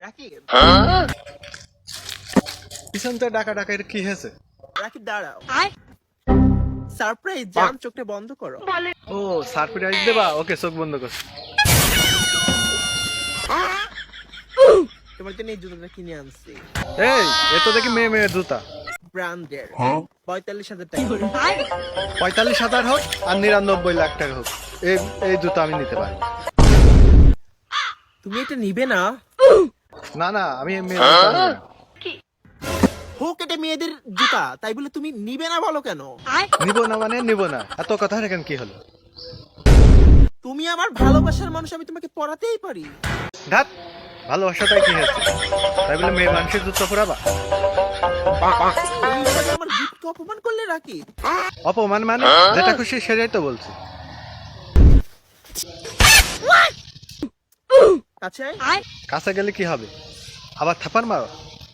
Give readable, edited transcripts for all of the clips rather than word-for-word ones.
রাকিব, পিছনতে ডাকা ডাকার কি হয়েছে? রাকিব দাঁড়াও। সারপ্রাইজ জান, চোখটা বন্ধ করো। ও সারপ্রাইজ দেবা? ওকে, চোখ বন্ধ করছি। তোমার জন্য এই জুতোটা কিনে আনছি, এই এ তো দেখি মেয়ে মেয়ের জুতা। ব্র্যান্ডের, 45,000 টাকা। 45,000 হোক আর 99 লাখ টাকা হোক, এই এই জুতা আমি নিতে পারি। তুমি এটা নিবে না? না না, আমি এই মেয়ের জুতা নিবো না। হোক এটা মেয়েদের জুতা, তাই বলে তুমি নিবে না বলো কেন? নিবো না মানে নিবো না, এত কথা এখন কি হলো? তুমি আমার ভালোবাসার মানুষ, আমি তোমাকে পড়াতেই পারি। ধাত, ভালোবাসাটাই কি হয়েছে? তাই বলে মেয়ে মানুষের জুতা পরাবা? এইভাবে আমার গিফটকে অপমান করলে রাকিব। অপমান মানে যেটা খুশি সেটাই তো বলছি। আচ্ছা, কাছে গেলে কি হবে? আবার থাপার মারো?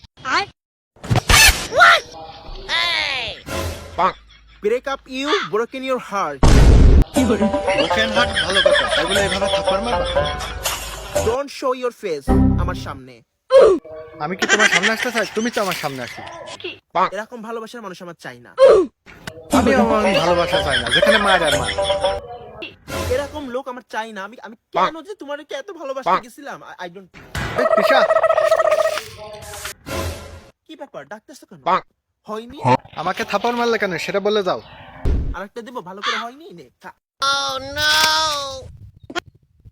Break up you, broken your heart. Broken heart ভালো কথা, তাই বলে এভাবে থাপ্পড় মারবা? ডোন্ট শো ইউর ফেস আমার সামনে। আমি কি তোমার সামনে আসতে চাই? তুমি তো আমার সামনে আসি। এরকম ভালোবাসার মানুষ আমার চাই না। আমি আমার ভালোবাসা চাই না যেখানে মায়ের আর মা। এরকম লোক আমার চাই না। আমি আমি কেন যে তোমাকে এত ভালোবাসতে গেছিলাম, আই ডোন্ট। এই তিশা, কি ব্যাপার, ডাকতেছো কেন? হয়নি? আমাকে থাপ্পড় মারলে কেন সেটা বলে যাও। আরেকটা দেবো, ভালো করে হয়নি, নে খা।